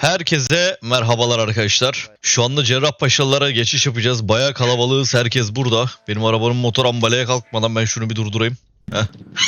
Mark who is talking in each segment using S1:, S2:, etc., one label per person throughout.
S1: Herkese merhabalar arkadaşlar. Şu anda Cerrahpaşalılara geçiş yapacağız. Bayağı kalabalığız. Herkes burada. Benim arabanın motor ambalaya kalkmadan ben şunu bir durdurayım. Heh.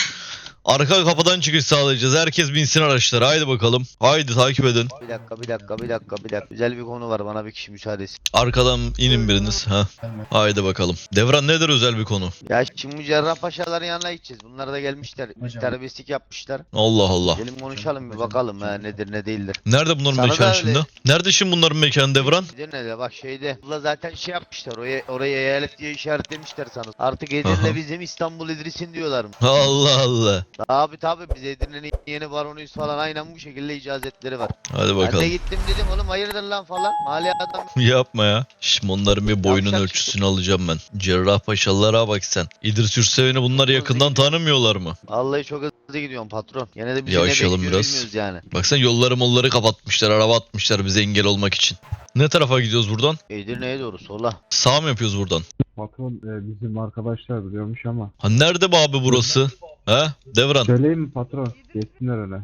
S1: Arka kapıdan çıkış sağlayacağız. Herkes binsin araçlara. Haydi bakalım. Haydi takip edin.
S2: Bir dakika. Güzel bir konu var. Bana bir kişi müsaade etsin.
S1: Arkadan inin biriniz. Ha. Haydi bakalım. Devran nedir özel bir konu?
S2: Ya şimdi bu Cerrahpaşaların yanına gideceğiz. Bunlar da gelmişler. Terbiyesizlik yapmışlar.
S1: Allah Allah.
S2: Gelin konuşalım bir bakalım nedir ne değildir.
S1: Nerede bunların
S2: Sana da
S1: mekanı
S2: öyle.
S1: şimdi? Nerede şimdi bunların mekanı Devran?
S2: Bir de ne de bak şeyde. Bunlar zaten şey yapmışlar. Oraya eyalet diye işaretlemişler sana. Artık
S1: Aha.
S2: Edirne bizim İstanbul İdris'in diyorlar.
S1: Allah Allah.
S2: Tabi biz Edirne'nin yeni baronuyuz falan. Aynen bu şekilde icazetleri var.
S1: Hadi
S2: Ben
S1: bakalım.
S2: de gittim dedim oğlum hayırdır lan falan. Mali adam.
S1: Yapma ya. Şimdi onların bir boyunun
S2: Yavşak
S1: ölçüsünü alacağım ben. Cerrahpaşalılara bak sen. İdris Ürseven'i bunlar yakından tanımıyorlar mı?
S2: Vallahi çok hızlı gidiyorsun patron. Yine de bize
S1: Yavaşlayalım
S2: ne bekliyor
S1: biraz.
S2: bilmiyoruz yani.
S1: Baksana yolları molları kapatmışlar. Araba atmışlar bize engel olmak için. Ne tarafa gidiyoruz buradan?
S2: Edirne'ye doğru sola.
S1: Sağ mı yapıyoruz buradan?
S3: Patron bizim arkadaşlar biliyormuş ama.
S1: Ha nerede bu abi burası? Ha? Devran.
S3: Söyleyeyim mi patron? Geçsinler öne.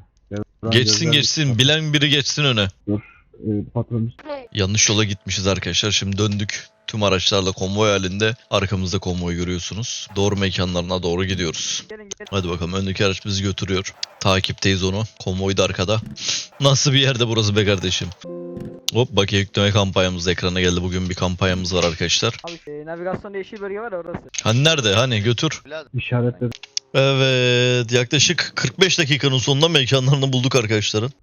S1: Geçsin. Bilen biri geçsin öne.
S3: Patron
S1: Yanlış yola gitmişiz arkadaşlar. Şimdi döndük. Tüm araçlarla konvoy halinde arkamızda konvoy görüyorsunuz. Doğru mekanlarına doğru gidiyoruz. Hadi bakalım öndeki araç bizi götürüyor. Takipteyiz onu. Konvoy da arkada. Nasıl bir yerde burası be kardeşim? Hop bakiye yükleme kampanyamız da ekrana geldi. Bugün bir kampanyamız var arkadaşlar.
S4: Abi navigasyonda yeşil bölge var ya orası.
S1: Hani nerede? Hani götür.
S3: işaretledim.
S1: Evet yaklaşık 45 dakikanın sonunda mekanlarını bulduk arkadaşların.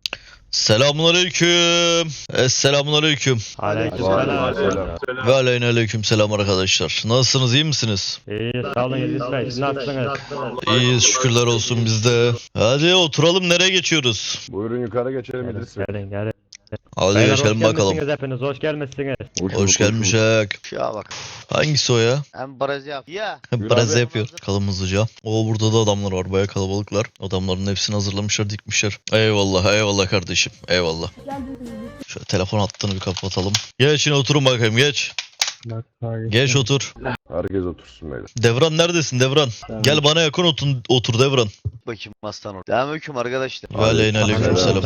S1: Selamünaleyküm. Selamünaleyküm.
S5: Aleykümselam.
S1: Ve aleyküm selam arkadaşlar. Nasılsınız iyi misiniz?
S5: İyi sağ olun İdris Bey. Siz nasılsınız?
S1: İyiyiz şükürler olsun bizde. Hadi oturalım nereye geçiyoruz?
S6: Buyurun yukarı geçelim İdris Bey.
S5: Gelin.
S1: Hadi
S5: Beyler,
S1: geçelim bakalım.
S5: gelmişsiniz hepiniz. Hoş gelmişsiniz.
S1: Hoş gelmişek.
S2: Şuna bak.
S1: Hangisi o ya?
S2: Hem barajı yap. Ya.
S1: Biraz
S6: abi.
S1: yapıyor. Kalım hızlıca. O burada da adamlar var. Baya kalabalıklar. Adamların hepsini hazırlamışlar dikmişler. Eyvallah kardeşim. Eyvallah. Şöyle telefon hattını bir kapatalım. Geç yine oturun bakayım geç. Geç otur.
S6: Herkes otursun beyler.
S1: Devran neredesin Devran? Gel bana yakın otur Devran.
S2: Bakayım aslan orada. Selamünaleyküm arkadaşlar.
S1: Ve aleyküm selam.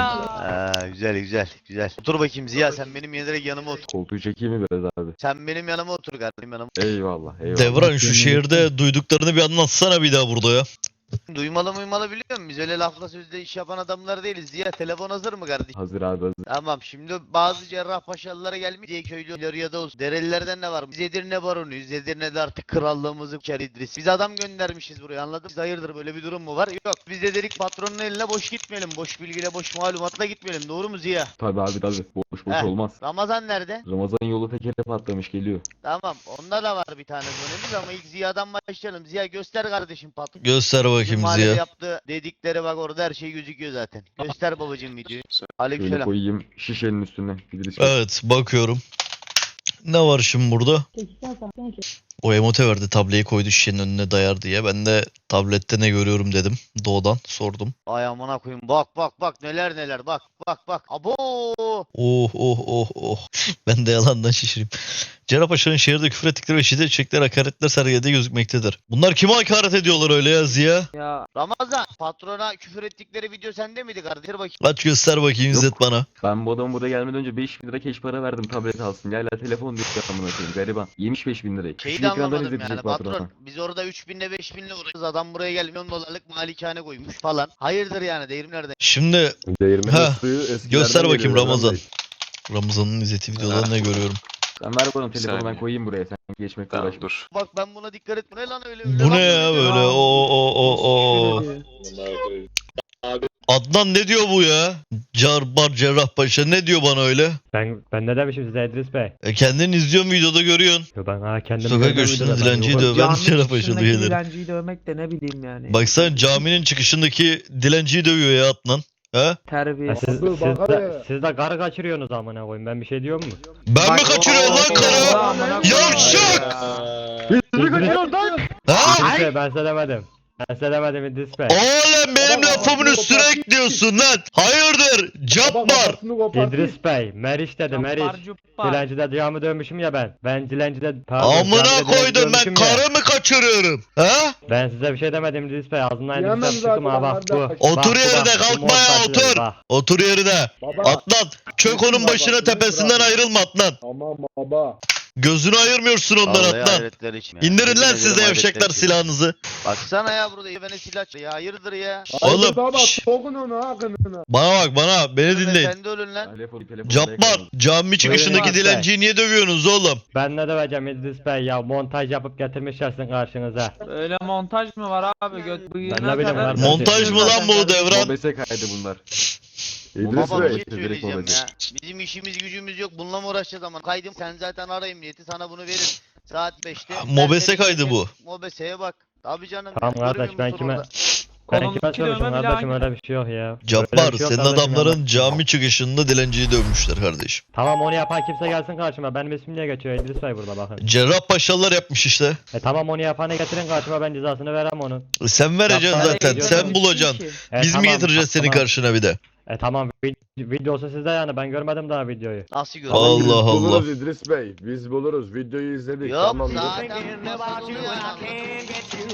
S2: Güzel. Otur bakayım Ziya sen benim direkt yanıma otur.
S6: Koltuğu çekeyim mi biraz abi?
S2: Sen benim yanıma otur kardeşim yanıma.
S6: Eyvallah.
S1: Devran şu şehirde duyduklarını bir anlatsana bir daha burada ya.
S2: Duymalı biliyor musun? Biz öyle lafla sözle iş yapan adamlar değiliz. Ziya telefon hazır mı kardeşim?
S6: Hazır abi hazır.
S2: Tamam şimdi bazı Cerrahpaşalılara gelmiş diye köylü ya da olsun. Derelilerden ne var? Biz Edirne baronuyuz. Edirne'de artık krallığımızı uçar İdris. Biz adam göndermişiz buraya anladın mı? Biz hayırdır böyle bir durum mu var? Yok biz de dedik patronun eline boş gitmeyelim. Boş bilgiyle boş malumatla gitmeyelim. Doğru mu Ziya?
S6: Tabii abi tabii. Boş
S2: Heh.
S6: olmaz.
S2: Ramazan nerede?
S6: Ramazan yolu tekere patlamış geliyor.
S2: Tamam onda da var bir tane dönemiz ama ilk Ziya'dan başlayalım. Ziya göster kardeşim patron.
S1: Göster
S2: Bizim
S1: bakayım
S2: mahallede
S1: Ziya.
S2: yaptığı dedikleri bak orada her şey gözüküyor zaten. Göster babacığım videoyu.
S6: Şöyle
S2: Aleykümselam.
S6: koyayım şişenin üstüne İdris Bey.
S1: Evet bakıyorum. Ne var şimdi burada? O emote verdi tableyi koydu şişenin önüne dayar diye. Ben de tablette ne görüyorum dedim. Doğudan sordum.
S2: Ay amına koyayım bak neler bak. Abo.
S1: Oh. Ben de yalandan şişireyim. Cerrahpaşa'nın şehirde küfür ettikleri ve şiddet çektikleri hakaretler sergilediği gözükmektedir. Bunlar kime hakaret ediyorlar öyle ya Ziya?
S4: Ya
S2: Ramazan patrona küfür ettikleri video sende miydi kardeşim? Bakayım.
S1: Aç göster bakayım İzzet bana.
S6: Ben bu adamı buraya gelmeden önce 5.000 lira keş para verdim tablet alsın. Hala telefon diyor amına koyayım gariban. Yemiş 5.000 lirayı.
S2: Şeyi
S6: Şu
S2: de
S6: ekrandan
S2: anlamadım
S6: izletecek
S2: yani
S6: patrona.
S2: patron. Biz orada 3000'le 5000'le uğraşıyoruz. Adam buraya gelmiyor $10 malikane koymuş falan. Hayırdır yani değerim nerede?
S1: Şimdi
S6: Değirmenin
S1: Ha,
S6: suyu eskilerden
S1: göster bakayım
S6: geliyor
S1: Ramazan.
S6: Bey.
S1: Ramazan'ın İzzet'i videolarında ne görüyorum.
S6: Sen ver bana telefonu ben
S7: Saniye.
S6: koyayım buraya. Sen geçmekle
S7: Tamam
S6: uğraşma.
S7: dur.
S2: Bak ben buna dikkat et. Bu ne lan öyle?
S1: Bu ne ya böyle? O. Adnan ne diyor bu ya? Cerrahpaşa ne diyor bana öyle?
S5: Ben ne demişim size İdris Bey?
S1: Kendin izliyorsun videoda görüyorsun.
S5: Yo ben kendim
S1: Sokak
S5: görmedim
S1: köşesinde
S5: videoda, ben
S1: dilenciyi
S5: yokum.
S1: döven Cerrahpaşalı üyeleri.
S4: dilenciyi dövmek de ne bileyim yani.
S1: Baksana caminin çıkışındaki dilenciyi dövüyor ya Adnan. He?
S5: Ha,
S4: Terbiye.
S5: siz de karı kaçırıyorsunuz amına koyayım. Ben bir şey diyor mu?
S1: Ben mi kaçırıyorum lan karı? Yavşak!
S5: İdris
S1: Ha?
S5: Bey ben size demedim. Ben size demedim İdris Bey.
S1: Oğlum benim
S7: Baba,
S1: lafımın
S7: baba,
S1: üstüne
S7: baba.
S1: ekliyorsun lan. Hayırdır? Cabbar.
S5: İdris Bey, Meriç dedi Meriç. Dilencide camı dövmüşüm ya ben. Ben dilencide pardon, camide
S1: Amına
S5: dilenci
S1: koydum ben
S5: dövmüşüm ya.
S1: karı mı kaçırıyorum? Ha?
S5: Ben size bir şey demedim İdris Bey. Ağzından
S7: Yemem
S5: İdris Bey çıktım ha
S7: zaten
S5: bak bu.
S7: kardeş.
S1: Otur
S5: Bak,
S1: yerine,
S5: bak, bu
S1: kalkma ya,
S5: montajları,
S1: otur.
S5: bak.
S1: Otur yerine.
S7: Baba.
S1: Adnan çök onun
S7: Baba,
S1: başına,
S7: baba,
S1: tepesinden
S7: baba.
S1: ayrılma Adnan.
S7: Tamam baba.
S1: Gözünü ayırmıyorsun ondan
S2: Vallahi
S1: Adnan.
S2: hayretler için ya.
S1: İndirin
S2: Yemin
S1: lan
S2: ederim
S1: siz de
S2: hayretler
S1: yavşaklar
S2: için.
S1: silahınızı.
S2: Baksana ya burada bana silah ya hayırdır ya.
S1: Oğlum,
S7: Haydi baba
S1: şş.
S7: sokun onu ha kınına.
S1: Bana bak, bana, beni dinleyin.
S2: Sen de ölün lan.
S6: Telefon
S1: Cabbar, cami çıkışındaki
S5: Buyurun.
S1: dilenciyi niye dövüyorsunuz oğlum?
S5: Ben ne döveceğim İdris Bey ya, montaj yapıp getirmişlersin karşınıza.
S8: Öyle montaj mı var abi? Göt
S5: Ben
S8: bıyığına
S5: ne bileyim
S8: kadar.
S5: kardeşim.
S1: Montaj mı lan bu Devran?
S6: Mobese kaydı bunlar.
S2: Baba bir şey
S6: Direkt
S2: söyleyeceğim
S6: mobese.
S2: ya. Bizim işimiz gücümüz yok. Bununla mı uğraşacağız ama? Kaydım sen zaten ara emniyeti, sana bunu verir. Saat 5'te.
S1: Mobese kaydı bu.
S2: Mobeseye bak. Tabii canım.
S5: Tamam
S2: ya,
S5: kardeş,
S2: görmüyor
S5: ben
S2: musun
S5: kime-
S2: orada?
S5: Ben
S8: Kolumdaki
S5: kime sormuşum
S8: dövme bile
S5: kardeşim,
S8: aynı.
S5: öyle bir şey yok ya.
S1: Cabbar,
S5: Öyle bir şey yok
S1: senin
S5: kardeşim
S1: adamların
S5: ama.
S1: cami çıkışında dilenciyi dövmüşler kardeşim.
S5: Tamam, onu yapan kimse gelsin karşıma. Benim ismim niye geçiyor İdris Bey burada bakın.
S1: Cerrahpaşalılar yapmış işte.
S5: Tamam, onu yapanı getirin karşıma, ben cezasını verem onun.
S1: Sen vereceksin
S5: Yapma,
S1: zaten,
S5: gidiyor
S1: sen
S5: tabii.
S1: bulacaksın. Biz mi
S5: Tamam,
S1: getireceğiz senin
S5: tamam.
S1: karşına bir de?
S5: Tamam, videosu sizde yani, ben görmedim daha videoyu.
S2: Nasıl görüyorsun?
S1: Allah Allah.
S9: Buluruz İdris Bey. Biz buluruz. Videoyu izledik.
S2: Yok
S9: tamam.
S2: zaten nasıl oluyor yani?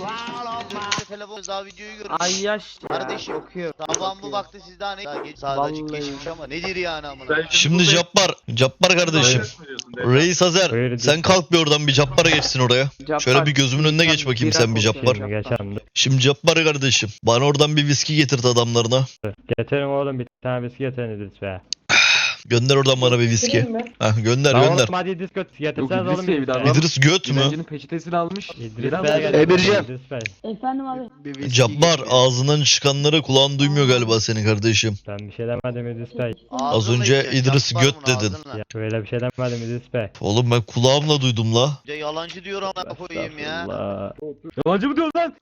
S2: Telefon daha videoyu görmüş.
S8: Ay yaş ya.
S2: Kardeşim.
S8: Okuyor.
S2: Tamam bu baktı sizden daha geç sağda açık
S8: Vallahi.
S2: geçmiş ama nedir yani amına?
S1: Şimdi Cabbar kardeşim. Reis Azer,
S5: Buyur İdris
S1: sen
S5: Bey.
S1: kalk bir oradan, bir Cabbar'a geçsin oraya. Şöyle bir gözümün önüne geç bakayım sen bir Cabbar.
S5: Şimdi geçerim. Dur.
S1: Şimdi Cabbar kardeşim, bana oradan bir viski getirt adamlarına.
S5: Getirin oğlum, bir tane viski getirin İdris Bey.
S1: Gönder oradan bana bir viski. Heh, gönder
S5: Lan
S1: gönder.
S5: oğlum hadi İdris
S6: Yok,
S5: getirseniz
S6: İdris
S5: oğlum.
S6: Bey bir daha var.
S1: İdris göt mü?
S6: Dilencinin peçetesini almış.
S5: İdris
S6: Biraz
S5: Bey'e
S6: da-
S5: getirin.
S2: Emircan.
S5: İdris Bey.
S10: Efendim abi.
S1: Cabbar, ağzından çıkanları kulağın duymuyor galiba senin kardeşim.
S5: Ben bir şey demedim İdris Bey.
S1: Az önce İdris göt dedin.
S5: Ya öyle bir şey demedim İdris Bey.
S1: Oğlum ben kulağımla duydum la.
S2: Bir de yalancı diyor ama koyayım ya.
S5: Allah.
S6: Yabancı mı diyorsun lan?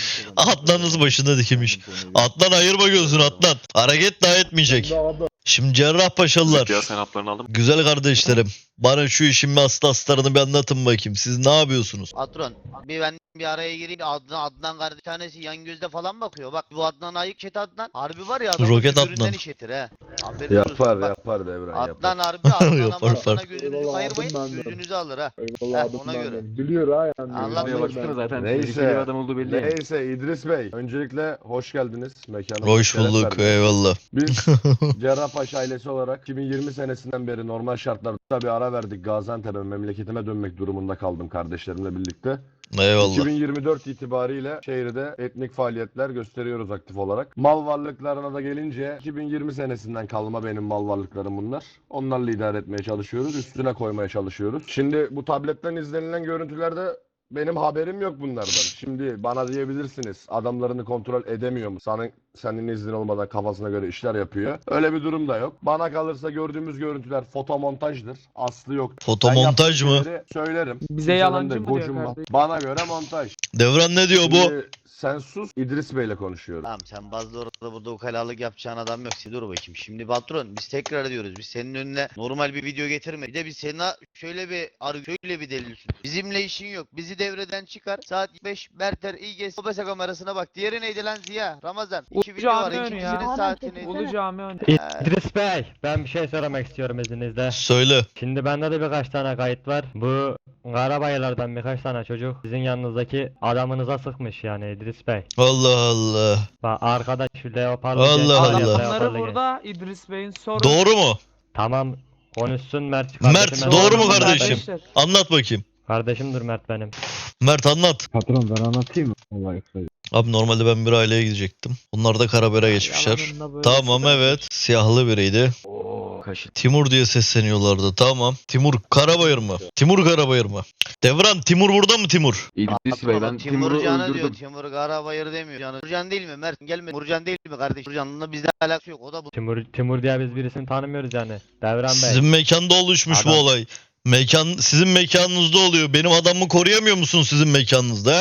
S1: Adnan'ız başında dikilmiş. Adnan ayırma gözünü Adnan. Hareket daha etmeyecek. Şimdi Cerrahpaşalılar. Güzel kardeşlerim. Bana şu işin astarını bir anlatın bakayım. Siz ne yapıyorsunuz?
S2: Patron ben bir araya gireyim. Adnan kardeş tanesi yan gözde falan bakıyor. Bak bu Adnan ayık chat Adnan. Harbi var ya adamın
S1: Roket
S2: tükürüğünden
S1: Adnan.
S2: işitir he. Haberin olsun.
S9: Yapar
S2: Bak,
S9: yapar Devran yapar.
S2: Adnan harbi Adnan
S1: Yapar,
S2: ama
S1: yapar.
S2: sana gözünüzü
S7: Eyvallah,
S2: ayırmayın
S7: Adnan ben de.
S2: gözünüzü alır ha.
S7: Eyvallah
S2: Heh, ona
S7: adımdan
S2: göre.
S7: ben. Biliyor ha yani.
S2: Allah
S6: Buraya baksana zaten.
S9: Neyse.
S6: Tehlikeli bir adam olduğu belli.
S9: Neyse İdris Bey. Öncelikle hoş geldiniz. Mekanımıza
S1: Hoş
S9: şeref
S1: bulduk,
S9: verdiniz.
S1: eyvallah.
S9: Biz Cerrahpaşa ailesi olarak 2020 senesinden beri normal şartlarda bir ara verdik. Gaziantep'e memleketime dönmek durumunda kaldım kardeşlerimle birlikte.
S1: Eyvallah.
S9: 2024 itibariyle şehirde etnik faaliyetler gösteriyoruz aktif olarak. Mal varlıklarına da gelince 2020 senesinden kalma benim mal varlıklarım bunlar. Onlarla idare etmeye çalışıyoruz. Üstüne koymaya çalışıyoruz. Şimdi bu tabletten izlenilen görüntülerde benim haberim yok bunlardan. Şimdi bana diyebilirsiniz adamlarını kontrol edemiyor mu? Senin iznin olmadan kafasına göre işler yapıyor. Öyle bir durum da yok. Bana kalırsa gördüğümüz görüntüler fotomontajdır. Aslı yok.
S1: Fotomontaj mı?
S9: Söylerim.
S8: Bize
S9: Kimsenin
S8: yalancı
S9: de
S8: mı diyor
S9: gocunma.
S8: kardeşim?
S9: Bana göre montaj.
S1: Devran ne diyor bu?
S9: Şimdi sen sus, İdris Bey'le konuşuyorum.
S2: Tamam sen bazı orada burada ukalalık yapacağın adam yok. Dur bakayım. Şimdi patron biz tekrar ediyoruz. Biz senin önüne normal bir video getirme. Bir de biz sana şöyle bir delil sun. Bizimle işin yok. Bizi devreden çıkar. Saat 5 Berter İGS OBS kamerasına bak. Diğeri neydi lan Ziya? Ramazan. İki video var.
S8: Cami önü ya.
S2: İkisinin saati neydi?
S8: Ulu cami önü.
S5: İdris Bey, ben bir şey söylemek istiyorum izninizle.
S1: Söyle.
S5: Şimdi bende de birkaç tane kayıt var. Bu Karabayırlardan birkaç tane çocuk sizin yanınızdaki adamınıza sıkmış yani İdris Bey.
S1: Allah Allah.
S5: Bak arkadaş şu leoparlı
S1: Allah
S5: genç var ya,
S1: Allah.
S5: leoparlı
S8: Adamları
S5: genç.
S8: burada İdris Bey'in soru.
S1: Doğru mu?
S5: Tamam, konuşsun Mert.
S1: Mert,
S5: Kardeşim,
S1: doğru mu
S5: Mert
S1: kardeşim?
S5: benim.
S1: Anlat bakayım.
S5: Kardeşimdir Mert benim.
S1: Mert anlat.
S3: Patron ben anlatayım mı? Vallahi kısaca.
S1: Abi normalde ben bir aileye gidecektim. Onlar da Karaber'e geçmişler.
S8: Yalanında böyle
S1: Tamam
S8: sıkıntı.
S1: evet. Siyahlı biriydi.
S6: Oo kaşık.
S1: Timur diye sesleniyorlardı. Tamam. Timur Karabayır mı? Timur Karabayır mı? Devran Timur burada mı Timur?
S6: İdris Bey ben Timur'u
S2: Timurcan'ı diyor.
S6: öldürdüm.
S2: Timur Karabayır demiyor. Canı. Timurcan değil mi? Mert gelme. Timurcan değil mi kardeş? Timurcan'la bizde alakası yok. O da bu.
S5: Timur diye biz birisini tanımıyoruz yani. Devran Bey.
S1: Sizin mekanda oluşmuş bu
S5: Adam.
S1: olay. Sizin mekanınızda oluyor. Benim adamımı koruyamıyor musun sizin mekanınızda ha?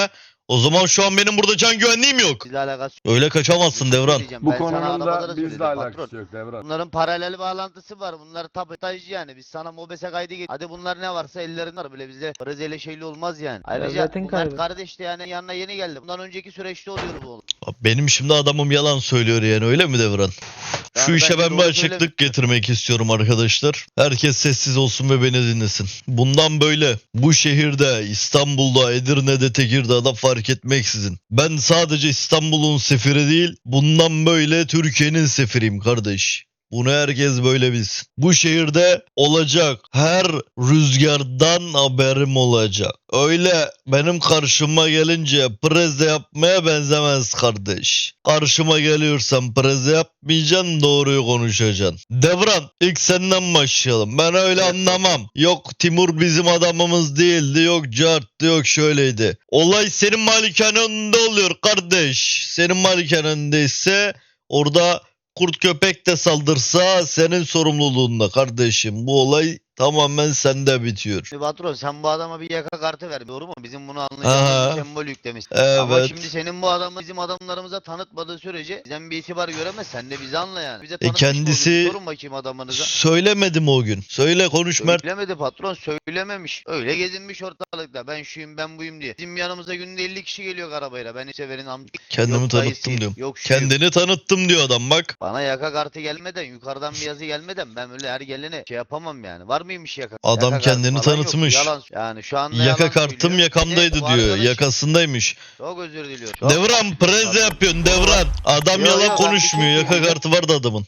S1: O zaman şu an benim burada can güvenliğim yok.
S2: Bizle alakası yok.
S1: Öyle kaçamazsın Devran.
S2: Diyeceğim,
S9: Bu
S2: ben sana
S9: konunun
S2: arabada
S9: da
S2: söyledim
S9: bizle alakası
S2: patron.
S9: yok Devran.
S2: Bunların paralel bağlantısı var. Bunlar tabii yani. Biz sana mobese kaydı getir. Hadi bunlar ne varsa ellerinde var. Böyle bizde Brezilya'yla şeyli olmaz yani. Ayrıca
S4: Devletin
S2: bunlar
S4: kaybı.
S2: kardeş de yani yanına yeni geldi. Bundan önceki süreçte oluyor bu oğlum.
S1: Benim şimdi adamım yalan söylüyor yani öyle mi Devran? Şu
S2: Yani
S1: işe
S2: bence
S1: ben bir
S2: doğru
S1: açıklık getirmek istiyorum arkadaşlar. Herkes sessiz olsun ve beni dinlesin. Bundan böyle bu şehirde, İstanbul'da, Edirne'de, Tekirdağ'da fark etmeksizin. Ben sadece İstanbul'un sefiri değil, bundan böyle Türkiye'nin sefiriyim kardeş. Bunu herkes böyle bilsin. Bu şehirde olacak her rüzgardan haberim olacak. Öyle benim karşıma gelince preze yapmaya benzemez kardeş. Karşıma geliyorsan preze yapmayacaksın, doğruyu konuşacaksın. Devran, ilk senden başlayalım. Ben öyle anlamam. Yok Timur bizim adamımız değildi, yok carttı, yok şöyleydi. Olay senin malikanende oluyor kardeş. Senin malikanendeyse orada kurt köpek de saldırsa senin sorumluluğunda kardeşim. Bu olay tamamen sende bitiyor.
S2: Şimdi patron sen bu adama bir yaka kartı ver. Doğru mu? Bizim bunu
S1: Aha.
S2: anlayacağımız bir sembol yüklemiş. Ama
S1: Evet.
S2: şimdi senin bu adamı bizim adamlarımıza tanıtmadığı sürece bizden bir itibar göremez. Sen de bizi anla yani. Bize tanıtmış
S1: kendisi-
S2: mı oldun? Sorun bakayım adamınıza.
S1: Söylemedim o gün. Söyle konuş Mert.
S2: Söylemedi patron, söylememiş. Öyle gezinmiş ortalıkta. Ben şuyum ben buyum diye. Bizim yanımıza günde 50 kişi geliyor arabayla. Ben severin amca.
S1: Kendimi
S2: Yok
S1: tanıttım
S2: dayısı,
S1: diyorum.
S2: Yok şuyum.
S1: Kendini tanıttım diyor adam bak.
S2: Bana yaka kartı gelmeden, yukarıdan bir yazı gelmeden ben öyle her gelene şey yapamam yani. Var mıymış yaka?
S1: Adam
S2: Yaka kartı
S1: kendini
S2: falan yok.
S1: tanıtmış.
S2: Yalan. Yani şu anda
S1: Yaka
S2: yalan
S1: kartım
S2: söylüyor.
S1: yakamdaydı
S2: Bir de bu
S1: diyor.
S2: arkadaş-
S1: Yakasındaymış.
S2: Çok özür diliyorum. Çok
S1: Devran
S2: özür
S1: preze
S2: diliyorum.
S1: yapıyorsun Devran. Adam
S2: Yo, yo,
S1: yalan
S2: ben
S1: konuşmuyor.
S2: bir şey
S1: Yaka
S2: diyeyim.
S1: kartı vardı adamın.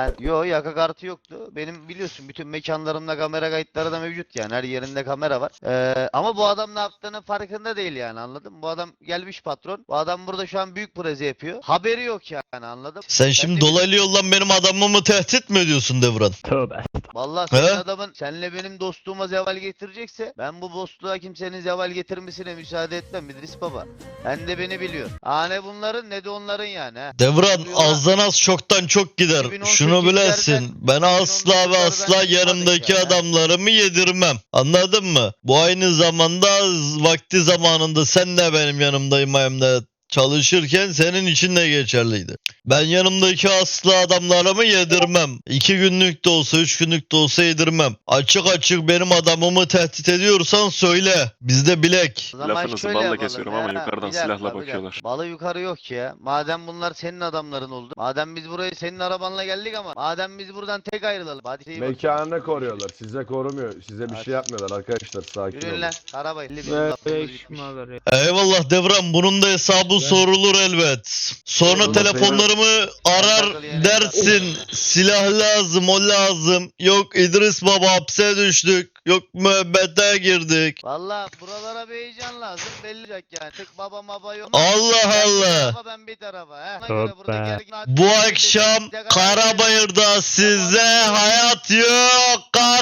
S2: Yaka kartı yoktu. Benim biliyorsun bütün mekanlarımda kamera kayıtları da mevcut yani. Her yerinde kamera var. Ama bu adam ne yaptığının farkında değil yani, anladın mı? Bu adam gelmiş patron. Bu adam burada şu an büyük preze yapıyor. Haberi yok yani, anladın mı?
S1: Sen şimdi
S2: de-
S1: dolaylı yoldan benim adamımı tehdit mi ediyorsun Devran?
S5: Tövbe.
S2: Vallahi senin
S1: He?
S2: adamın senle benim dostluğuma zeval getirecekse ben bu dostluğa kimsenin zeval getirmesine müsaade etmem İdris Baba. Sen de beni biliyor. Ne bunların ne de onların yani. He.
S1: Devran
S2: Bu yola-
S1: azdan az çoktan çok gider.
S2: 2018'lerden
S1: Şunu bilesin. Ben asla ve
S2: 2019'lardan
S1: asla yanımdaki
S2: çıkmadık ya.
S1: adamlarımı yedirmem. Anladın mı? Bu aynı zamanda vakti zamanında sen de benim yanımdayım çalışırken senin için de geçerliydi. Ben yanımdaki asla adamlarımı yedirmem. 2 günlük de olsa 3 günlük de olsa yedirmem. Açık açık benim adamımı tehdit ediyorsan söyle. Bizde bilek.
S2: O zaman
S10: Lafınızı
S2: şöyle
S10: balla
S2: yapalım
S10: kesiyorum
S2: ya.
S10: ama yukarıdan
S2: Bir dakika,
S10: silahla
S2: bir dakika.
S10: bakıyorlar.
S2: Balı yukarı yok ya. Madem bunlar senin adamların oldu. Madem biz buraya senin arabanla geldik ama madem biz buradan tek ayrılalım. Hadi iyi bak.
S9: Mekanını koruyorlar. Size korumuyor. Size bir
S2: Hadi.
S9: şey yapmıyorlar arkadaşlar. Sakin
S2: Yürüyün
S9: olun.
S2: lan. Arabayı. Bizim
S8: Ve
S2: lafımız
S8: beş
S2: bitmiş.
S8: numara.
S1: Eyvallah Devran, bunun da hesabı sorulur elbet. Sonra
S9: Sorulur,
S1: telefonlarımı arar dersin. Silah lazım, o lazım. Yok İdris Baba hapse düştük. Yok müebbete girdik.
S2: Valla buralara bir heyecan lazım. Belli olacak yani. Tek baba maba yok.
S1: Allah
S2: Sen bir
S1: Allah.
S2: tarafa, ben bir tarafa. He. Ona
S5: Tövbe.
S2: göre buradaki herkes-
S1: Bu akşam Karabayır'da size hayat yok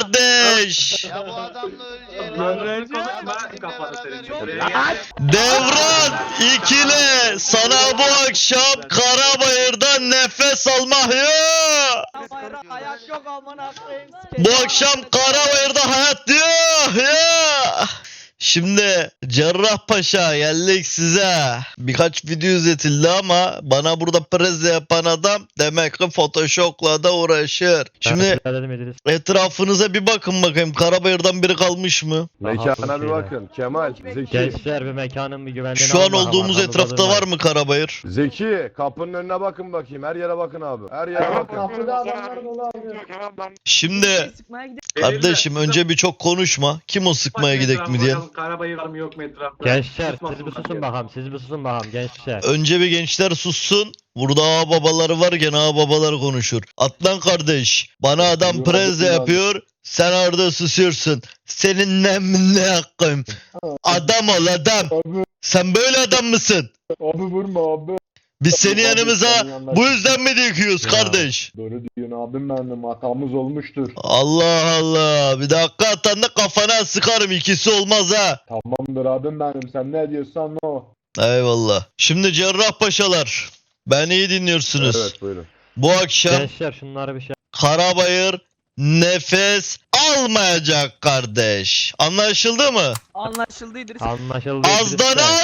S1: kardeş.
S2: Ya bu adamla öleceğini.
S1: Devran ikile sana bu akşam Karabayır'da nefes almak yok.
S4: Ayak yok amına koyayım.
S1: Bu akşam Karabayır'da hayat yok ya. Şimdi Cerrahpaşa geldik size. Birkaç video izletildi ama bana burada preze yapan adam demek ki Photoshop'la da uğraşır. Şimdi
S5: Dedim İdris.
S1: etrafınıza bir bakın bakayım. Karabayır'dan biri kalmış mı?
S9: Mekana bir bakın. Kemal, Zeki.
S5: Gençler bir mekanın bir güvenliğini
S1: Şu an
S5: alın bakalım,
S1: olduğumuz
S5: arkamızda
S1: etrafta
S5: durmayın.
S1: var mı Karabayır?
S9: Zeki, kapının önüne bakın bakayım. Her yere bakın abi. Her yere bakın.
S7: Kapıda adamlar dolu abi.
S1: Şimdi kardeşim önce bir çok konuşma. Kim o sıkmaya gidek mi diyen?
S10: Karabayır var mı yok mu etrafta?
S5: Gençler siz bir susun bakalım. Siz bir susun bakalım gençler.
S1: Önce bir gençler sussun. Burada ağa babaları varken ağa babaları konuşur. Atlan kardeş. Bana adam preze yapıyor. Sen orada susuyorsun. Senin ne hakkın? Adam ol adam.
S7: Abi,
S1: Sen böyle adam mısın?
S7: abi vurma abi.
S1: Biz seni
S7: Abi,
S1: yanımıza
S7: senin yanına-
S1: bu yüzden mi dikiyoruz
S5: Ya.
S1: kardeş?
S7: Doğru diyorsun abim benim. Hatamız olmuştur.
S1: Allah Allah. Bir dakika atan da kafana sıkarım. İkisi olmaz ha.
S7: Tamamdır abim benim. Sen ne diyorsan o.
S1: Eyvallah. Şimdi Cerrahpaşalar. Beni iyi dinliyorsunuz.
S9: Evet buyurun.
S1: Bu akşam
S5: Gençler şunları bir şey.
S1: Karabayır nefes almayacak kardeş. Anlaşıldı mı?
S4: Anlaşıldı İdris.
S5: Anlaşıldı.
S1: Azdan
S5: İdris Bey.
S1: az,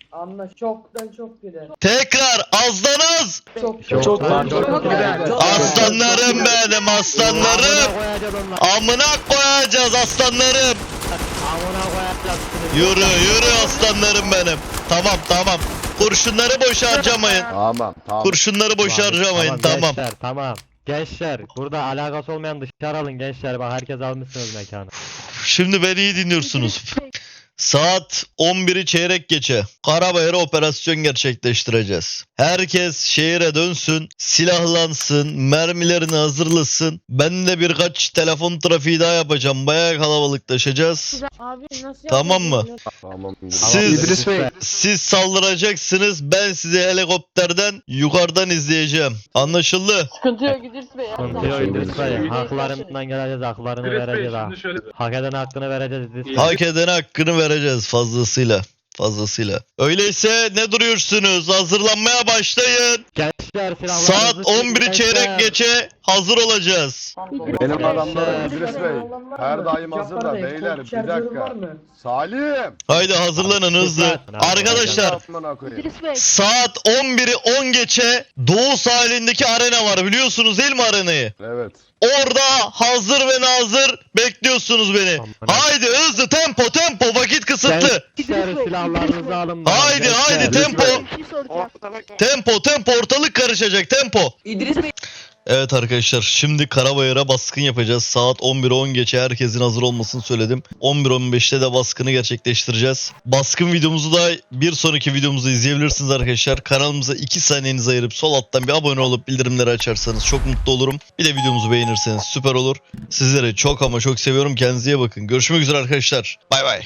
S4: Anla çoktan çok gider.
S1: Tekrar azdan az.
S5: Çok
S1: Aslanlarım benim aslanlarım. Amına koyacağız aslanlarım.
S5: Amına koyacağız.
S1: Yürü aslanlarım benim. Tamam. Kurşunları boş harcamayın.
S9: Tamam.
S1: Kurşunları boş harcamayın tamam.
S5: Gençler tamam. Gençler burada alakası olmayan dışarı alın gençler. Bak herkes almışsınız mekanı.
S1: Şimdi beni iyi dinliyorsunuz. Saat 11'i çeyrek geçe Karabayır'a operasyon gerçekleştireceğiz. Herkes şehire dönsün, silahlansın, mermilerini hazırlasın. Ben de birkaç telefon trafiği daha yapacağım. Bayağı kalabalıklaşacağız.
S4: Abi nasıl
S1: Tamam mı?
S9: Tamam.
S1: Siz saldıracaksınız. Ben sizi helikopterden yukarıdan izleyeceğim. Anlaşıldı?
S4: Sıkıntı yok İdris Bey.
S5: Sıkıntı yok İdris Bey. Haklarından geleceğiz. Haklarını vereceğiz ha. Hak eden hakkını vereceğiz İdris Bey.
S1: Hak edene hakkını vereceğiz fazlasıyla. Öyleyse ne duruyorsunuz? Hazırlanmaya başlayın.
S5: Gençler silahlarınızı
S1: Saat
S5: çekin
S1: 11'i çeyrek
S5: gençler.
S1: geçe hazır olacağız.
S9: Benim adamlarım İdris Bey. Her daim hazır da beyler bir dakika. Salim.
S1: Haydi hazırlanın hızlı. Arkadaşlar
S9: Amına koyayım.
S4: İdris Bey.
S1: saat 11'i 10 geçe Doğu sahilindeki arena var. Biliyorsunuz değil mi arenayı?
S9: Evet.
S1: Orada hazır ve nazır bekliyorsunuz beni. Haydi hızlı tempo vakit kısıtlı.
S5: Gençler silahlarınızı alın. bakalım
S1: Haydi
S5: gençler.
S1: tempo.
S4: Bir şey soracağım.
S1: Tempo ortalık karışacak tempo.
S4: İdris Bey.
S1: Evet arkadaşlar şimdi Karabayır'a baskın yapacağız. Saat 11'e 10 geçe herkesin hazır olmasını söyledim. 11.15'te de baskını gerçekleştireceğiz. Baskın videomuzu da bir sonraki videomuzu izleyebilirsiniz arkadaşlar. Kanalımıza 2 saniyenizi ayırıp sol alttan bir abone olup bildirimleri açarsanız çok mutlu olurum. Bir de videomuzu beğenirseniz süper olur. Sizleri çok ama çok seviyorum. Kendinize iyi bakın. Görüşmek üzere arkadaşlar. Bay bay.